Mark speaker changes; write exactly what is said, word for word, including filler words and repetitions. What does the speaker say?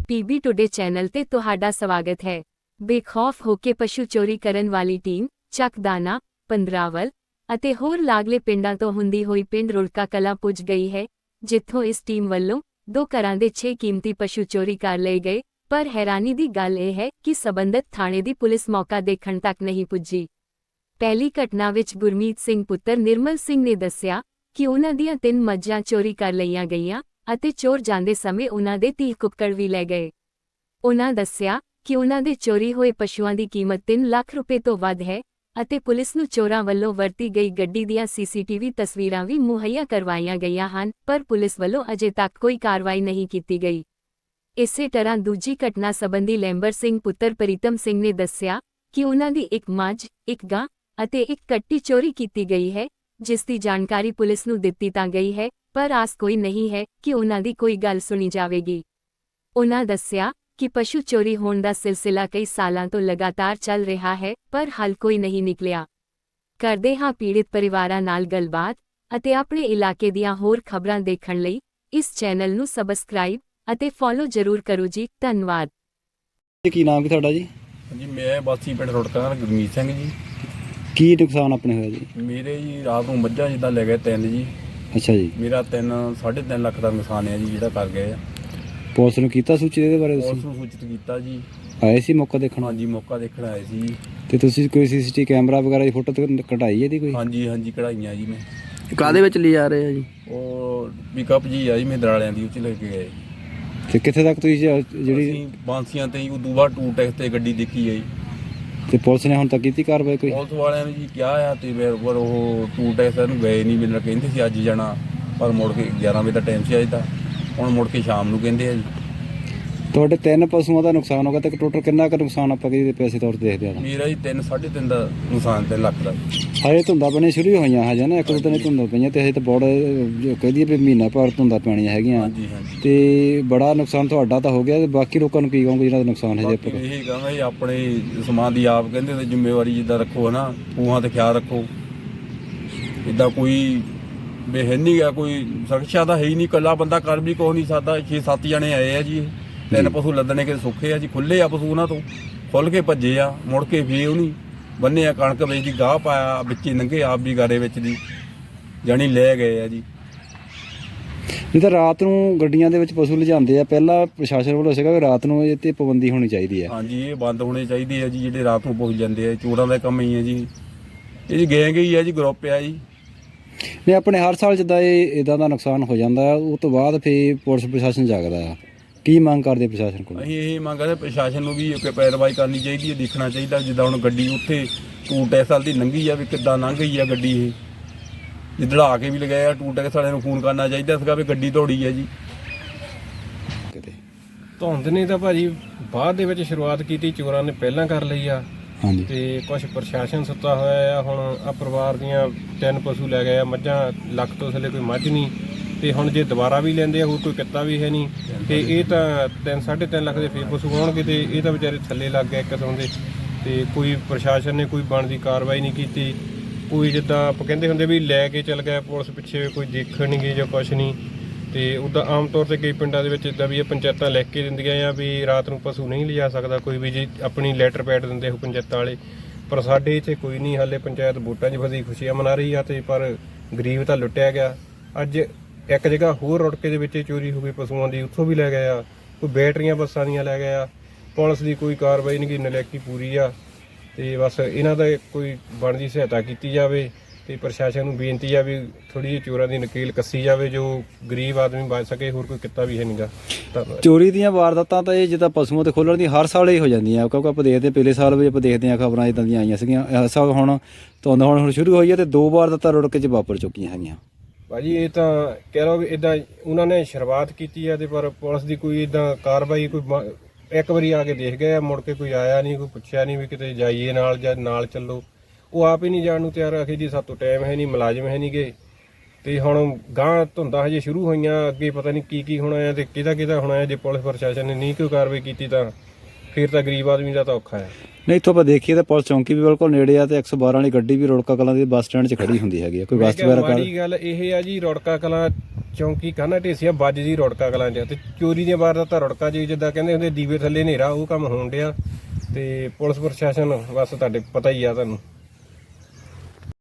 Speaker 1: PB today channel ਤੇ ਤੁਹਾਡਾ ਸਵਾਗਤ ਹੈ। ਬੇਖੌਫ ਹੋ ਕੇ ਪਸ਼ੂ ਚੋਰੀ ਕਰਨ ਵਾਲੀ ਟੀਮ ਚੱਕਦਾਨਾ, ਪੰਦਰਾਵਲ ਅਤੇ ਹੋਰ ਲਾਗਲੇ ਪਿੰਡਾਂ ਤੋਂ ਹੁੰਦੀ ਹੋਈ ਪਿੰਡ ਰੁੜਕਾ ਕਲਾਂ ਪੁੱਜ ਗਈ ਹੈ, ਜਿੱਥੋਂ ਇਸ ਟੀਮ ਵੱਲੋਂ ਦੋ ਘਰਾਂ ਦੇ ਛੇ ਕੀਮਤੀ ਪਸ਼ੂ ਚੋਰੀ ਕਰ ਲਏ ਗਏ। ਪਰ ਹੈਰਾਨੀ ਦੀ ਗੱਲ ਇਹ ਹੈ ਕਿ ਸਬੰਧਤ ਥਾਣੇ ਦੀ ਪੁਲਿਸ ਮੌਕਾ ਦੇਖਣ ਤੱਕ ਨਹੀਂ ਪੁੱਜੀ। ਪਹਿਲੀ ਘਟਨਾ ਵਿੱਚ ਗੁਰਮੀਤ ਸਿੰਘ ਪੁੱਤਰ ਨਿਰਮਲ ਸਿੰਘ ਨੇ ਦੱਸਿਆ ਕਿ ਉਨ੍ਹਾਂ ਦੀਆਂ ਤਿੰਨ ਮੱਝਾਂ ਚੋਰੀ ਕਰ ਲਈਆਂ ਗਈਆਂ ਅਤੇ ਚੋਰ ਜਾਂਦੇ ਸਮੇਂ ਉਨ੍ਹਾਂ ਦੇ ਤੀਹ ਕੁੱਕੜ ਵੀ ਲੈ ਗਏ। ਉਨ੍ਹਾਂ ਦੱਸਿਆ ਕਿ ਉਨ੍ਹਾਂ ਦੇ ਚੋਰੀ ਹੋਏ ਪਸ਼ੂਆਂ ਦੀ ਕੀਮਤ ਤਿੰਨ ਲੱਖ ਰੁਪਏ ਤੋਂ ਵੱਧ ਹੈ ਅਤੇ ਪੁਲਿਸ ਨੂੰ ਚੋਰਾਂ ਵੱਲੋਂ ਵਰਤੀ ਗਈ ਗੱਡੀ ਦੀਆਂ ਸੀਸੀਟੀਵੀ ਤਸਵੀਰਾਂ ਵੀ ਮੁਹੱਈਆ ਕਰਵਾਈਆਂ ਗਈਆਂ ਹਨ, ਪਰ ਪੁਲਿਸ ਵੱਲੋਂ ਅਜੇ ਤੱਕ ਕੋਈ ਕਾਰਵਾਈ ਨਹੀਂ ਕੀਤੀ ਗਈ। ਇਸੇ ਤਰ੍ਹਾਂ ਦੂਜੀ ਘਟਨਾ ਸੰਬੰਧੀ ਲੈਂਬਰ ਸਿੰਘ ਪੁੱਤਰ ਪ੍ਰੀਤਮ ਸਿੰਘ ਨੇ ਦੱਸਿਆ ਕਿ ਉਨ੍ਹਾਂ ਦੀ ਇੱਕ ਮੱਝ, ਇੱਕ ਗਾਂ ਅਤੇ ਇੱਕ ਕੱਟੀ ਚੋਰੀ ਕੀਤੀ ਗਈ ਹੈ, ਜਿਸ ਦੀ ਜਾਣਕਾਰੀ ਪੁਲਿਸ ਨੂੰ ਦਿੱਤੀ ਤਾਂ ਗਈ ਹੈ, ਪਰ ਆਸ ਕੋਈ ਨਹੀਂ ਹੈ ਕਿ ਉਨ੍ਹਾਂ ਦੀ ਕੋਈ ਗੱਲ ਸੁਣੀ ਜਾਵੇਗੀ। ਉਨ੍ਹਾਂ ਦੱਸਿਆ ਕਿ ਪਸ਼ੂ ਚੋਰੀ ਹੋਣ ਦਾ ਸਿਲਸਿਲਾ ਕਈ ਸਾਲਾਂ ਤੋਂ ਲਗਾਤਾਰ ਚੱਲ ਰਿਹਾ ਹੈ, ਪਰ ਹੱਲ ਕੋਈ ਨਹੀਂ ਨਿਕਲਿਆ। ਕਰਦੇ ਹਾਂ ਪੀੜਿਤ ਪਰਿਵਾਰਾਂ ਨਾਲ ਗੱਲਬਾਤ ਅਤੇ ਆਪਣੇ ਇਲਾਕੇ ਦੀਆਂ ਹੋਰ ਖਬਰਾਂ ਦੇਖਣ ਲਈ ਇਸ ਚੈਨਲ ਨੂੰ ਸਬਸਕ੍ਰਾਈਬ ਅਤੇ ਫੋਲੋ ਜ਼ਰੂਰ ਕਰੋ ਜੀ। ਧੰਨਵਾਦ।
Speaker 2: ਕੀ ਨਾਮ ਕੀ ਤੁਹਾਡਾ ਜੀ?
Speaker 3: ਜੀ ਮੈਂ ਵਾਸੀ ਪਿੰਡ ਰੁੜਕਾ ਗੁਰਮੀਤ ਸਿੰਘ ਜੀ।
Speaker 2: ਕੀ ਨੁਕਸਾਨ ਆਪਣੇ ਹੋਇਆ ਜੀ?
Speaker 3: ਮੇਰੇ ਜੀ ਰਾਤ ਨੂੰ ਮੱਝਾਂ ਜਿੱਦਾਂ ਲੈ ਗਏ ਤਿੰਨ ਜੀ।
Speaker 2: ਅੱਛਾ ਜੀ।
Speaker 3: ਮੇਰਾ ਤਿੰਨ ਸਾਢੇ ਤਿੰਨ ਲੱਖ ਦਾ ਨੁਕਸਾਨ ਹੈ ਜੀ ਜਿਹੜਾ ਕਰ ਗਏ ਆ।
Speaker 2: ਪੁਲਿਸ ਨੂੰ ਕੀਤਾ ਸੂਚਿਤ ਇਹਦੇ ਬਾਰੇ?
Speaker 3: ਪੁਲਿਸ ਨੂੰ ਸੂਚਿਤ ਕੀਤਾ ਜੀ।
Speaker 2: ਆਏ ਸੀ ਮੌਕਾ ਦੇਖਣ?
Speaker 3: ਹਾਂਜੀ ਮੌਕਾ ਦੇਖਣ ਆਏ ਸੀ ਜੀ।
Speaker 2: ਤੇ ਤੁਸੀਂ ਕੋਈ ਸੀਸੀਟੀ ਕੈਮਰਾ ਵਗੈਰਾ ਦੀ ਫੋਟੋ ਕਢਾਈ ਇਹਦੀ ਕੋਈ?
Speaker 3: ਹਾਂਜੀ ਹਾਂਜੀ ਕਢਾਈਆਂ ਜੀ। ਮੈਂ
Speaker 4: ਕਾਹਦੇ ਵਿੱਚ ਲੈ ਜਾ ਰਹੇ ਆ ਜੀ?
Speaker 3: ਉਹ ਪਿਕਅਪ ਜੀ ਆ ਜੀ ਮੇਦਰ ਵਾਲਿਆਂ ਦੀ, ਉਹ 'ਚ ਲੈ ਕੇ ਗਏ।
Speaker 2: ਤੇ ਕਿੱਥੇ ਤੱਕ ਤੁਸੀਂ ਜਿਹੜੀ
Speaker 3: ਅਸੀਂ ਬਾਂਸੀਆਂ ਤੇ ਉਦੋਂ ਬਾਅਦ ਟੂ ਟੈਕਸ ਤੇ ਗੱਡੀ ਦੇਖੀ ਹੈ ਜੀ।
Speaker 2: ਤੇ ਪੁਲਿਸ ਨੇ ਹੁਣ ਤੱਕ ਕੀਤੀ ਕਾਰਵਾਈ ਕੋਈ?
Speaker 3: ਪੁਲਿਸ ਵਾਲਿਆਂ ਨੇ ਜੀ ਕਿਹਾ ਆ ਤੇ ਪਰ ਉਹ ਟੂ ਟੈਕਸ ਨੂੰ ਗਏ ਨਹੀਂ। ਮੈਨੂੰ ਕਹਿੰਦੇ ਸੀ ਅੱਜ ਜਾਣਾ, ਪਰ ਮੁੜ ਕੇ ਗਿਆਰਾਂ ਵਜੇ ਦਾ ਟਾਈਮ ਸੀ ਅੱਜ ਦਾ, ਹੁਣ ਮੁੜ ਕੇ ਸ਼ਾਮ ਨੂੰ ਕਹਿੰਦੇ ਆ ਜੀ।
Speaker 2: ਤੁਹਾਡੇ ਤਿੰਨ ਪਸ਼ੂਆਂ ਦਾ ਨੁਕਸਾਨ ਹੋ ਗਿਆ ਤੇ ਟੋਟਲ ਕਿੰਨਾ ਕੁ ਨੁਕਸਾਨ ਆਪਾਂ ਕਿਹਦੇ ਪੈਸੇ ਤੌਰ ਤੇ ਦੇਖਦੇ ਆ?
Speaker 3: ਮੇਰਾ ਜੀ ਤਿੰਨ ਸਾਢੇ ਤਿੰਨ ਦਾ ਨੁਕਸਾਨ ਤਿੰਨ ਲੱਖ ਦਾ।
Speaker 2: ਹਜੇ ਧੁੰਦਾਂ ਪੈਣੀਆਂ ਸ਼ੁਰੂ ਹੋਈਆਂ ਹਜੇ ਨਾ, ਇੱਕ ਦੋ ਦਿਨ ਧੁੰਦਾਂ ਪਈਆਂ ਤੇ ਹਜੇ ਤਾਂ ਬੜਾ ਕਹਦੀ ਵੀ ਮਹੀਨਾ ਭਰ ਧੁੰਦਾਂ ਪੈਣੀਆਂ ਹੈਗੀਆਂ।
Speaker 3: ਹਾਂਜੀ ਹਾਂਜੀ।
Speaker 2: ਤੇ ਬੜਾ ਨੁਕਸਾਨ ਤੁਹਾਡਾ ਤਾਂ ਹੋ ਗਿਆ, ਤੇ ਬਾਕੀ ਲੋਕਾਂ ਨੂੰ ਕੀ ਕਹੋਗੇ ਜਿਹਨਾਂ ਦਾ ਨੁਕਸਾਨ ਹਜੇ?
Speaker 3: ਆਪਾਂ ਇਹ ਕਹਾਂਗਾ ਜੀ ਆਪਣੇ ਸਮਾਨ ਦੀ ਆਪ ਕਹਿੰਦੇ ਤੇ ਜ਼ਿੰਮੇਵਾਰੀ ਜਿੱਦਾਂ ਰੱਖੋ ਨਾ, ਖੂਹਾਂ ਤੇ ਖਿਆਲ ਰੱਖੋ। ਇੱਦਾਂ ਕੋਈ ਬੇਹਨੀ ਆ, ਕੋਈ ਸੁਰੱਖਿਆ ਤਾਂ ਹੈ ਹੀ ਨਹੀਂ, ਇਕੱਲਾ ਬੰਦਾ ਕਰ ਵੀ ਕੁਛ ਨਹੀਂ ਸਕਦਾ। ਛੇ ਸੱਤ ਜਣੇ ਆਏ ਆ ਜੀ, ਤਿੰਨ ਪਸ਼ੂ ਲੱਦਣੇ ਕਿ ਸੁੱਖੇ ਆ ਜੀ, ਖੁੱਲੇ ਆ ਪਸ਼ੂ ਉਹਨਾਂ ਤੋਂ ਖੁੱਲ ਕੇ ਭੱਜੇ ਆ, ਮੁੜ ਕੇ ਫੇਰ ਉਹਨੀ ਬੰਨੇ ਆ ਕਣਕ ਵਿੱਚ ਦੀ ਗਾਹ ਪਾਇਆ ਵਿੱਚੇ ਨੰਗੇ ਆਪ ਵੀ ਗਾਰੇ ਵਿੱਚ ਦੀ ਜਾਣੀ ਲੈ ਗਏ ਆ ਜੀ।
Speaker 2: ਇਹ ਤਾਂ ਰਾਤ ਨੂੰ ਗੱਡੀਆਂ ਦੇ ਵਿੱਚ ਪਸ਼ੂ ਲਿਜਾਂਦੇ ਆ, ਪਹਿਲਾਂ ਪ੍ਰਸ਼ਾਸਨ ਵੱਲੋਂ ਸੀਗਾ ਵੀ ਰਾਤ ਨੂੰ ਇਹ ਤੇ ਪਾਬੰਦੀ ਹੋਣੀ ਚਾਹੀਦੀ ਹੈ।
Speaker 3: ਹਾਂਜੀ ਇਹ ਬੰਦ ਹੋਣੇ ਚਾਹੀਦੇ ਆ ਜੀ, ਜਿਹੜੇ ਰਾਤ ਨੂੰ ਪਹੁੰਚ ਜਾਂਦੇ ਆ। ਚੋਰਾਂ ਦਾ ਕੰਮ ਹੀ ਹੈ ਜੀ, ਇਹ ਜੀ ਗੈਂਗ ਹੀ ਹੈ ਜੀ, ਗਰੁੱਪ ਆ ਜੀ।
Speaker 2: ਨਹੀਂ ਆਪਣੇ ਹਰ ਸਾਲ ਜਿੱਦਾਂ ਇਹ ਇਦਾਂ ਦਾ ਨੁਕਸਾਨ ਹੋ ਜਾਂਦਾ ਉਹ ਤੋਂ ਬਾਅਦ ਫਿਰ ਪੁਲਿਸ ਪ੍ਰਸ਼ਾਸਨ ਜਾਗਦਾ ਆ। ਕੀ ਮੰਗ ਕਰਦੇ ਪ੍ਰਸ਼ਾਸਨ ਕੋਲ?
Speaker 3: ਅਸੀਂ ਇਹ ਮੰਗ ਕਰਦੇ ਪ੍ਰਸ਼ਾਸਨ ਨੂੰ ਵੀ ਇੱਕ ਪੈਰਵਾਈ ਕਰਨੀ ਚਾਹੀਦੀ ਹੈ, ਦੇਖਣਾ ਚਾਹੀਦਾ। ਜਿੱਦਾਂ ਹੁਣ ਗੱਡੀ ਉੱਥੇ ਟੂ ਟੈਕਸ ਵਾਲੀ ਦੀ ਲੰਘੀ ਆ, ਵੀ ਕਿੱਦਾਂ ਲੰਘ ਗਈ ਆ ਗੱਡੀ। ਇਹ ਜਿੱਦੜਾ ਕੇ ਵੀ ਲਗਾਇਆ, ਟੂ ਟੈਕਸ ਵਾਲਿਆਂ ਨੂੰ ਫੋਨ ਕਰਨਾ ਚਾਹੀਦਾ ਸੀਗਾ ਵੀ ਗੱਡੀ ਦੌੜੀ ਹੈ ਜੀ।
Speaker 4: ਧੁੰਦ ਨੇ ਤਾਂ ਭਾਜੀ ਬਾਅਦ ਦੇ ਵਿੱਚ ਸ਼ੁਰੂਆਤ ਕੀਤੀ, ਚੋਰਾਂ ਨੇ ਪਹਿਲਾਂ ਕਰ ਲਈ ਆ।
Speaker 2: ਹਾਂਜੀ।
Speaker 4: ਤੇ ਕੁਝ ਪ੍ਰਸ਼ਾਸਨ ਸੁੱਤਾ ਹੋਇਆ ਆ। ਹੁਣ ਆ ਪਰਿਵਾਰ ਦੀਆਂ ਤਿੰਨ ਪਸ਼ੂ ਲੈ ਗਏ ਆ, ਮੱਝਾਂ ਲੱਖ ਤੋਂ ਥੱਲੇ ਕੋਈ ਮੱਝ ਨਹੀਂ। ਤੇ ਹੁਣ ਜੇ ਦੁਬਾਰਾ ਵੀ ਲੈਂਦੇ ਆ ਹੋਰ ਕੋਈ ਕਿੱਤਾ ਵੀ ਹੈ ਨਹੀਂ, ਤੇ ਇਹ ਤਾਂ ਤਿੰਨ ਸਾਢੇ ਤਿੰਨ ਲੱਖ ਦੇ ਫੇਰ ਪਸ਼ੂ ਆਉਣਗੇ, ਤੇ ਇਹ ਤਾਂ ਵਿਚਾਰੇ ਥੱਲੇ ਲੱਗ ਗਏ ਇੱਕ ਕਿਸਮ ਦੇ। ਤੇ ਕੋਈ ਪ੍ਰਸ਼ਾਸਨ ਨੇ ਕੋਈ ਬਣਦੀ ਕਾਰਵਾਈ ਨਹੀਂ ਕੀਤੀ। ਕੋਈ ਜਿੱਦਾਂ ਆਪਾਂ ਕਹਿੰਦੇ ਹੁੰਦੇ ਵੀ ਲੈ ਕੇ ਚੱਲ ਗਿਆ ਪੁਲਿਸ ਪਿੱਛੇ, ਕੋਈ ਦੇਖਣ ਨਹੀਂ ਗਈ ਜਾਂ ਕੁਛ ਨਹੀਂ। ਤੇ ਉੱਦਾਂ ਆਮ ਤੌਰ ਤੇ ਕਈ ਪਿੰਡਾਂ ਦੇ ਵਿੱਚ ਇੱਦਾਂ ਵੀ ਇਹ ਪੰਚਾਇਤਾਂ ਲਿਖ ਕੇ ਦਿੰਦੀਆਂ ਆ ਵੀ ਰਾਤ ਨੂੰ ਪਸ਼ੂ ਨਹੀਂ ਲਿਜਾ ਸਕਦਾ ਕੋਈ ਵੀ, ਜੀ ਆਪਣੀ ਲੈਟਰ ਪੈਡ ਦਿੰਦੇ ਉਹ ਪੰਚਾਇਤਾਂ ਵਾਲੇ। ਪਰ ਸਾਡੇ ਇੱਥੇ ਕੋਈ ਨਹੀਂ, ਹਾਲੇ ਪੰਚਾਇਤ ਵੋਟਾਂ 'ਚ ਫਸੀ ਖੁਸ਼ੀਆਂ ਮਨਾ ਰਹੀ ਆ, ਤੇ ਪਰ ਗਰੀਬ ਤਾਂ ਲੁੱਟਿਆ ਗਿਆ। ਅੱਜ ਇੱਕ ਜਗ੍ਹਾ ਹੋਰ ਰੁੜਕੇ ਦੇ ਵਿੱਚ ਚੋਰੀ ਹੋ ਗਈ ਪਸ਼ੂਆਂ ਦੀ, ਉੱਥੋਂ ਵੀ ਲੈ ਗਏ ਆ। ਕੋਈ ਬੈਟਰੀਆਂ ਬੱਸਾਂ ਦੀਆਂ ਲੈ ਗਏ ਆ। ਪੁਲਿਸ ਦੀ ਕੋਈ ਕਾਰਵਾਈ ਨਹੀਂ, ਨਲਾਇਕੀ ਪੂਰੀ ਆ। ਤੇ ਬਸ ਇਹਨਾਂ ਦਾ ਕੋਈ ਬਣਦੀ ਸਹਾਇਤਾ ਕੀਤੀ ਜਾਵੇ, ਤੇ ਪ੍ਰਸ਼ਾਸਨ ਨੂੰ ਬੇਨਤੀ ਆ ਵੀ ਥੋੜੀ ਜਿਹੀ ਚੋਰਾਂ ਦੀ ਨਕੀਲ ਕੱਸੀ ਜਾਵੇ, ਜੋ ਗਰੀਬ ਆਦਮੀ ਬਚ ਸਕੇ। ਹੋਰ ਕੋਈ ਕਿੱਤਾ ਵੀ ਹੈ ਨਹੀਂਗਾ।
Speaker 2: ਚੋਰੀ ਦੀਆਂ ਵਾਰਦਾਤਾਂ ਤਾਂ ਇਹ ਜਿੱਦਾਂ ਪਸ਼ੂਆਂ ਤੇ ਖੋਲਣ ਦੀ ਹਰ ਸਾਲ ਹੀ ਹੋ ਜਾਂਦੀਆਂ, ਕਿਉਂਕਿ ਆਪਾਂ ਦੇਖਦੇ ਪਿਛਲੇ ਸਾਲ ਵੀ ਆਪਾਂ ਦੇਖਦੇ ਹਾਂ ਖਬਰਾਂ ਇਦਾਂ ਦੀਆਂ ਆਈਆਂ ਸੀਗੀਆਂ। ਇਸ ਸਾਲ ਹੁਣ ਧੁੰਦ ਹੁਣ ਹੁਣ ਸ਼ੁਰੂ ਹੋਈ ਹੈ ਤੇ ਦੋ ਵਾਰਦਾਤਾਂ ਰੁੜਕੇ 'ਚ ਵਾਪਰ ਚੁੱਕੀਆਂ ਹੈਗੀਆਂ।
Speaker 4: ਭਾਜੀ ਇਹ ਤਾਂ ਕਹਿ ਲਓ ਵੀ ਇੱਦਾਂ ਉਹਨਾਂ ਨੇ ਸ਼ੁਰੂਆਤ ਕੀਤੀ ਆ, ਤੇ ਪਰ ਪੁਲਿਸ ਦੀ ਕੋਈ ਇੱਦਾਂ ਕਾਰਵਾਈ ਕੋਈ ਇੱਕ ਵਾਰੀ ਆ ਕੇ ਦੇਖ ਗਏ, ਮੁੜ ਕੇ ਕੋਈ ਆਇਆ ਨਹੀਂ, ਕੋਈ ਪੁੱਛਿਆ ਨਹੀਂ ਵੀ ਕਿਤੇ ਜਾਈਏ ਨਾਲ ਜਾਂ ਨਾਲ ਚੱਲੋ। ਉਹ ਆਪ ਹੀ ਨਹੀਂ ਜਾਣ ਨੂੰ ਤਿਆਰ। ਆਖੇ ਜੀ ਸਾਤੋਂ ਟਾਈਮ ਹੈ ਨਹੀਂ, ਮੁਲਾਜ਼ਮ ਹੈ ਨਹੀਂ ਗੇ। ਤੇ ਹੁਣ ਗਾਂ ਧੁੰਦਾਂ ਹਜੇ ਸ਼ੁਰੂ ਹੋਈਆਂ, ਅੱਗੇ ਪਤਾ ਨਹੀਂ ਕੀ ਕੀ ਹੋਣਾ ਹੈ ਤੇ ਕਿਹਦਾ ਕਿਹਦਾ ਹੋਣਾ ਹੈ। ਜੇ ਪੁਲਿਸ ਪ੍ਰਸ਼ਾਸਨ ਨੇ ਨਹੀਂ ਕੋਈ ਕਾਰਵਾਈ ਕੀਤੀ ਤਾਂ ਫਿਰ ਤਾਂ ਗਰੀਬ ਆਦਮੀ ਦਾ ਤਾਂ ਔਖਾ ਹੈ।
Speaker 2: ਨਹੀਂ ਇੱਥੋਂ ਆਪਾਂ ਦੇਖੀਏ ਤਾਂ ਪੁਲਿਸ ਚੌਂਕੀ ਵੀ ਬਿਲਕੁਲ ਨੇੜੇ ਆ, ਤੇ ਇੱਕ ਸੌ ਬਾਰਾਂ ਵਾਲੀ ਗੱਡੀ ਵੀ ਰੁੜਕਾ ਕਲਾਂ ਦੇ ਬੱਸ ਸਟੈਂਡ 'ਚ ਖੜੀ ਹੁੰਦੀ ਹੈਗੀ ਆ। ਕੋਈ ਬੱਸ ਵਗੈਰਾ
Speaker 4: ਮਾੜੀ ਗੱਲ ਇਹ ਆ ਜੀ, ਰੁੜਕਾ ਕਲਾਂ ਚੌਂਕੀ ਕਾਨਾ ਢੇਸੀਆ ਬੱਜ ਜੀ ਰੁੜਕਾ ਕਲਾਂ 'ਚ ਤੇ ਚੋਰੀ ਦੀਆਂ ਵਾਰਦਾਤਾਂ ਰੁੜਕਾ ਜੀ ਜਿੱਦਾਂ ਕਹਿੰਦੇ ਹੁੰਦੇ ਦੀਵੇ ਥੱਲੇ ਹਨੇਰਾ ਉਹ ਕੰਮ ਹੋਣ ਡਿਆ ਤੇ ਪੁਲਿਸ ਪ੍ਰਸ਼ਾਸਨ ਬਸ ਤੁਹਾਡੇ ਪਤਾ ਹੀ ਆ ਤੁਹਾਨੂੰ